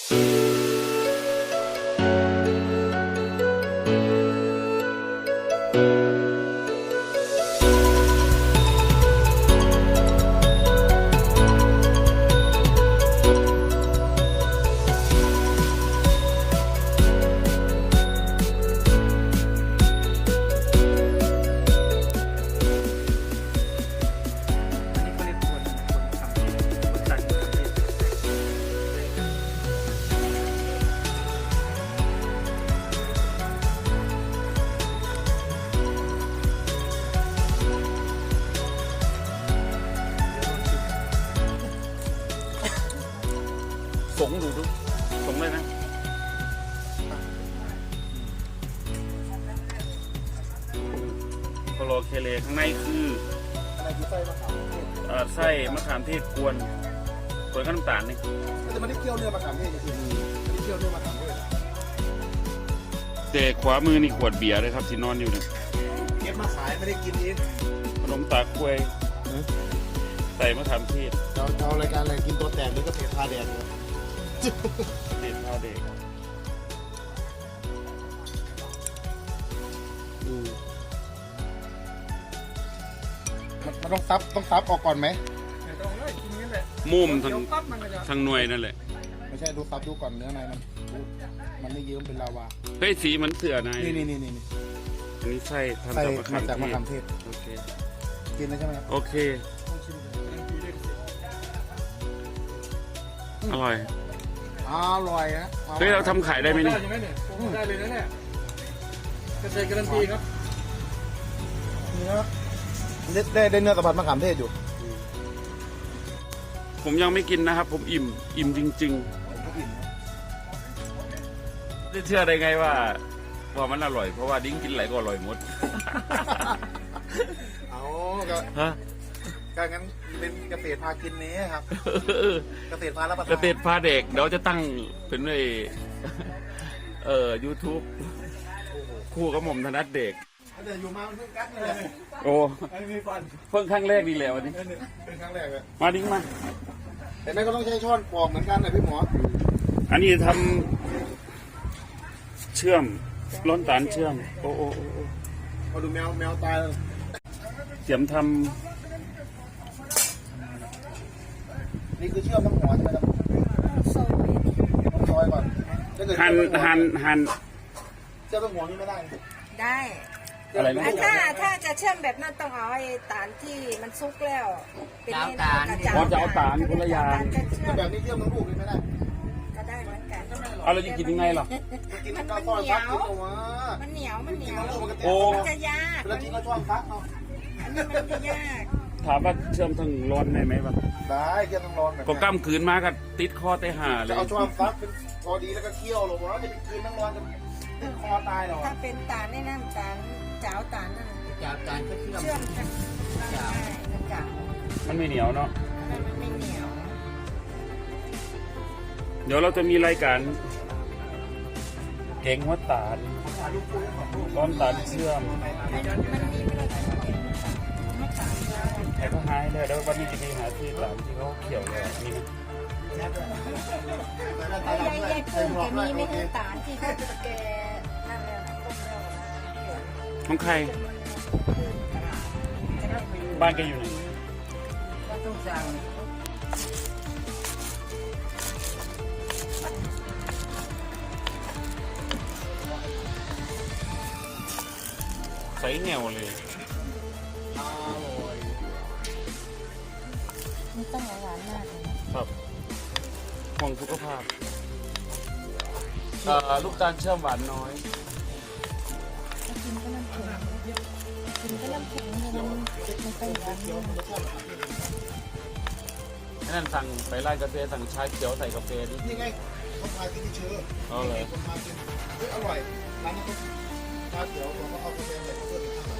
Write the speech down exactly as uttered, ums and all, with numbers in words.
สงดูดูสงเลยนะโคโลเคเลข้างในคืออะไรคือไส้มะขามเทศเอ่อไส้มะขามเทศกวนกวนกับน้ำตาลนี่แต่มันได้เคี่ยวเนื้อมะขามเทศจริงๆไม่ได้เคี่ยวเนื้อมะขามเทศแต่ขวามือนี่ขวดเบียร์เลยครับที่นอนอยู่เนี่ยเก็บมาขายไม่ได้กินเองขนมตาควยใส่มะขามเทศเราเรารายการอะไรกินตัวแตกหรือก็เทพาแดงเด็ดพาเด็กมันต้องซับต้องซับออกก่อนไหมต้องเลยกินงั้นแหละมุมทางทางหน่วยนั่นแหละไม่ใช่ดูซับดูก่อนเนื้อในมันมันไม่เยิ้มเป็นลาวาเฮ้ยสีมันเสือนายนี่นี่นี่นี่อันนี้ไส้ทำจากมะขามเทศโอเคกินได้ใช่ไหมโอเคอร่อยอร่อยนะเฮ้ยเราทำขายได้ไหมนี่ได้เลยนะเนี่ยเกษตรการันตีครับเนื้อได้ได้เนื้อสัมผัสมะขามเทศอยู่ผมยังไม่กินนะครับผมอิ่มอิ่มจริงๆจะเชื่อได้ไงว่าว่ามันอร่อยเพราะว่าดิ้งกินไหลก็อร่อยหมดเอาก็ฮะก็งั้นเป็นเกษตรพากินนี้ครับเกษตรพารับประทานเกษตรพาเด็กเดี๋ยวจะตั้งเป็นไอ้เอ่อยูทูบคู่กับหม่อมธนัดเด็กเดี๋ยวอยู่มาเพิ่งกัดเลยโอ้เพิ่งครั้งแรกดีแล้ววันนี้เป็นครั้งแรกเลยมาดิ้งมาแต่นั่นก็ต้องใช้ช้อนปอกเหมือนกันนะพี่หมออันนี้ทำเชื่อมร้อนตาลเชื่อมโอ้โอ้โอ้เอาดูแมวแมวตายแล้วเสียมทำนี่คือเชื่อมทั้งหัวใช่ไหมครับต้องซอยก่อนหั่นหั่นหั่นเชื่อมทั้งหัวนี่ไม่ได้ได้อะไรนะถ้าถ้าจะเชื่อมแบบนั้นต้องเอาไอ้ตาลที่มันซุกแล้วเป็นตาลพอจะเอาตาลคนละอย่างแบบนี้เชื่อมทั้งลูกไม่ได้ก็ได้เหมือนกันเอาเราจะกินยังไงหรอมันเหนียวมันเหนียวมันเหนียวโอ้มันจะยากแล้วกินก็ช้อนฟักเนาะอันนี้มันจะยากถามว่าเชื่อมทั้งร้อนได้ไหมวะได้เชื่อมทั้งร้อนก็กล้ามคืนมากับติดคอไตห่าเลยเอาช้อนฟักเป็นพอดีแล้วก็เคี่ยวลงแล้วจะเป็นคืนทั้งร้อนจะติดคอตายหรอถ้าเป็นตาลในน้ำตาลเจ้าตาลนั่นเจ้าตาลก็เชื่อมกันเจ้าเจ้ามันไม่เหนียวเนาะมันไม่เหนียวเดี๋ยวเราจะมีรายการเก่งหัวตาลร้อนตาลเชื่อมแต่ก็หายเลยแล้ววันนี้จะมีหาที่หลังที่เขาเขียวเลยนี่นะยายยายกุ้งแกมีไม่น้ำตาลที่เขาแกนั่นแล้วของใครบ้านแกอยู่ไหนก็ต้องสั่งใส่เหนียวเลยไม่ต้องหวานมากเลยครับห่วงสุขภาพลูกตาลเชื่อมหวานน้อยกินก็น้ำแข็งกินก็น้ำแข็งมันมันไปหวานนั่นสั่งไปร้านกาแฟสั่งชาเขียวใส่กาแฟดินี่ไงเขาพากินที่เชื้อเอาเลยเขาพากินเฮ้ยอร่อยร้านนี้เขาชาเขียวเขาเอากาแฟใส่เพื่อน